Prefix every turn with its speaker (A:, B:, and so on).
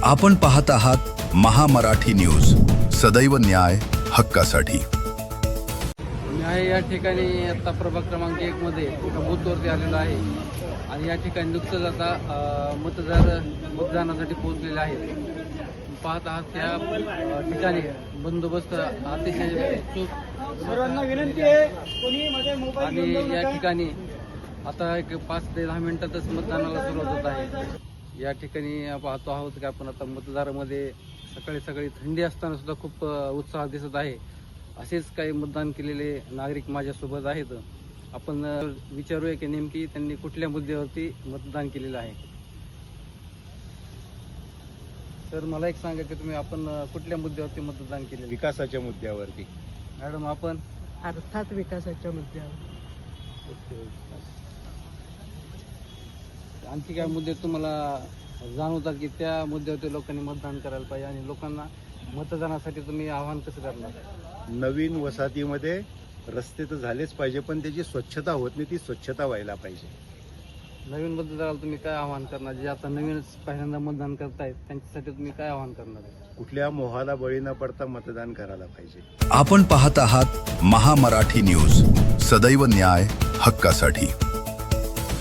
A: आपण पाहत आहात महामराठी न्यूज, सदैव न्याय हक्कासाठी।
B: मी आहे या ठिकाणी आता प्रभाग क्रमांक 1 मध्ये एका बूथवरती आलेलो आहे आणि या ठिकाणी नुकतंच आता मतदानासाठी पोहोचलेले आहेत। पाहत आहात त्या ठिकाणी बंदोबस्त अतिशय चूक
C: सर्वांना विनंती आहे कोणी मध्ये मोबाईल
B: आणि
C: घेऊन जाऊ
B: या
C: नका।
B: ठिकाणी आता एक 5 ते 10 मिनिटातच मतदानाला सुरुवात होत आहे। या ठिकाणी पाहतो आहोत की आपण आता मतदारामध्ये सकाळी थंडी असताना सुद्धा खूप उत्साह दिसत आहे। असेच काही मतदान केलेले नागरिक माझ्यासोबत आहेत। आपण विचारूया की नेमकी त्यांनी कुठल्या मुद्द्यावरती मतदान केलेलं आहे। तर मला एक सांगा की तुम्ही आपण कुठल्या मुद्द्यावरती मतदान केले?
D: विकासाच्या मुद्द्यावरती।
B: मॅडम आपण
C: अर्थात विकासाच्या मुद्द्यावर।
B: आणखी काय मुद्दे तुम्हाला जाणवतात की त्या मुद्द्यावरती लोकांनी मतदान करायला पाहिजे आणि लोकांना मतदानासाठी तुम्ही आवाहन कसं करणार?
D: नवीन वसाहतीमध्ये रस्ते तर झालेच पाहिजे, पण त्याची स्वच्छता होत नाही, ती स्वच्छता व्हायला पाहिजे।
B: नवीन मतदाराला तुम्ही काय आवाहन करणार? जे आता नवीनच पहिल्यांदा मतदान करतायत त्यांच्यासाठी तुम्ही काय आवाहन करणार?
D: कुठल्या मोहाला बळी न पडता मतदान करायला पाहिजे।
A: आपण पाहत आहात महामराठी न्यूज, सदैव न्याय हक्कासाठी।